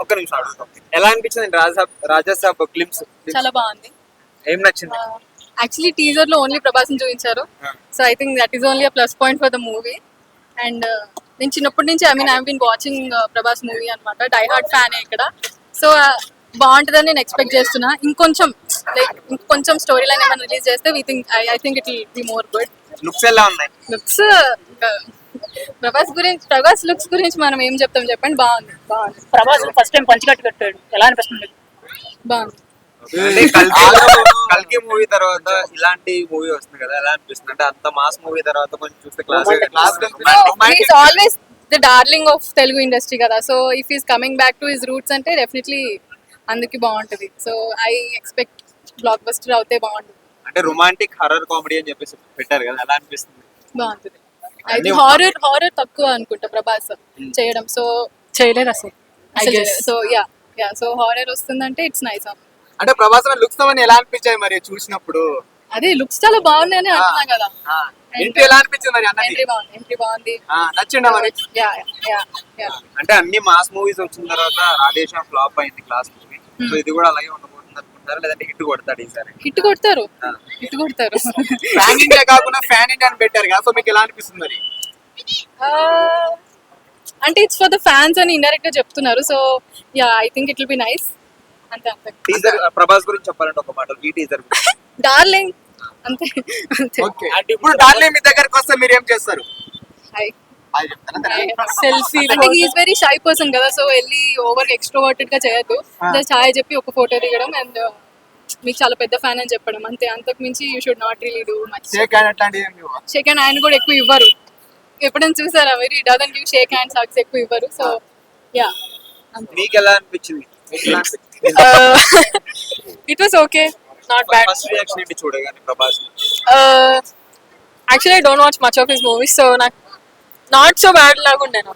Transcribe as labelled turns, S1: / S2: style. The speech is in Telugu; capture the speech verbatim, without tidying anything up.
S1: ఒక్క నిమిషం అడుగుతాం. ఎలా అనిపించింది రాజాసాబ్ రాజాసాబ్ గ్లిమ్స్?
S2: చాలా బాగుంది.
S1: ఏం నచ్చింది?
S2: యాక్చువల్లీ టీజర్ లో ఓన్లీ ప్రభాస్ ని చూపించారు. So I think that is only a plus point for the movie. And నేను చిన్నప్పటి నుంచి I mean I been watching Prabhas movie అనమాట. డై హార్ట్ ఫ్యాన్ ఇక్కడ. సో బాగుంటుందని నేను ఎక్స్పెక్ట్ చేస్తున్నా. ఇంకొంచెం లైక్ ఇంకొంచెం స్టోరీ లైన్ ఏమైనా రిలీజ్ చేస్తే we think I think it will be more good.
S1: Looks ఎలా ఉన్నాయి?
S2: లుక్స్ ప్రభాస్ గురించి ప్రభాస్ లుక్స్ గురించి మనం ఏం చెప్తాం చెప్పండి. బాగుంది బాగుంది.
S3: ప్రభాస్ ఫస్ట్ టైం పంచకట్టు కట్టాడు, ఎలా అనిపిస్తుంది?
S2: బాగుంది.
S1: అంటే కల్కి కల్కి మూవీ తర్వాత ఇలాంటి మూవీ వస్తుంది కదా, ఎలా అనిపిస్తుంది? అంటే అంత మాస్ మూవీ తర్వాత కొంచెం చూస్తే class
S2: always the darling of Telugu industry కదా. So if is coming back to his roots అంటే డెఫినెట్లీ అందుకే బాగుంటది. So I expect blockbuster అవుతే బాగుంటుంది.
S1: అంటే రొమాంటిక్ హర్రర్ కామెడీ అని చెప్పేసి పెట్టారు కదా, ఎలా అనిపిస్తుంది?
S2: బాగుంటుంది. అయితే హారర్ హారర్ తక్కువ అనుకుంటా ప్రభాస్ చేయడం. సో
S3: చేయలేదు అసలు.
S2: So ya ya so horror వస్తుందంటే ఇట్స్ నైస్.
S4: అంటే ప్రభాస్ లుక్స్ అవన్నీ ఎలా అనిపించాయి మరి చూసినప్పుడు?
S2: అదే లుక్స్ చాలా బాగున్నాయని అంటున్నా కదా.
S4: ఎంట్రీ ఎలా అనిపించింది మరి అన్నది?
S2: ఎంట్రీ బాగుంది. ఎంట్రీ బాగుంది.
S4: నచ్చిందా మరి?
S2: యా యా యా
S1: అంటే అన్ని మాస్ మూవీస్ వచ్చిన తర్వాత రాధేశ్యామ్ ఫ్లాప్ అయింది క్లాస్ మూవీ. సో ఇది కూడా అలాగే ఉండబోతుంది అనుకుంటారా, లేదంటే హిట్ కొడతాడు ఈసారి?
S2: హిట్ కొడతారు హిట్ కొడతారు.
S4: ఫ్యాన్ ఇండియా కాకుండా ఫ్యాన్ ఇండియా అని పెట్టారు కదా, సో మీకు ఎలా అనిపిస్తుంది మరి?
S2: అంటే ఇట్స్ ఫర్ ద ఫ్యాన్స్ అని ఇండైరెక్ట్ గా చెప్తున్నారు. So ya I think it will be nice. అంతే అంతే.
S1: టీజర్ ప్రభాస్ గురించి చెప్పాలంటే ఒక మాట, ఈ టీజర్
S2: డార్లింగ్ అంతే అంతే.
S4: ఓకే, అంటే ఇప్పుడు డార్లింగ్ మీ దగ్గరకు వస్తే మీరు ఏం చేస్తారు?
S2: హాయ్
S4: అది చెప్తారా?
S2: సెల్ఫీ అంటే హీఈస్ వెరీ షై పర్సన్ కదా. సో వెళ్ళి ఓవర్ ఎక్స్ట్రోవర్టెడ్ గా చేయొద్దు. జస్ట్ హాయ్ చెప్పి ఒక ఫోటో దిగడం అండ్ మీకు చాలా పెద్ద ఫ్యాన్ అని చెప్పడం అంతే. అంతకు మించి you should not really do much.
S4: Shake hand అట్లాంటివి ఏం లేవా?
S2: షేక్ హ్యాండ్ ఆయన కూడా ఎక్కువ ఇవ్వరు. ఎప్పుడైనా చూసారా very doesn't give shake hands hugs ఎక్కువ ఇవ్వరు. So ya.
S1: మీకు ఎలా అనిపించింది?
S2: It was okay, not bad.
S1: First reaction ఏంటి చూడగానే Prabhas?
S2: Actually I don't watch much of his movies. So నాకు నాట్ సో బ్యాడ్ లాగా ఉండే నాకు.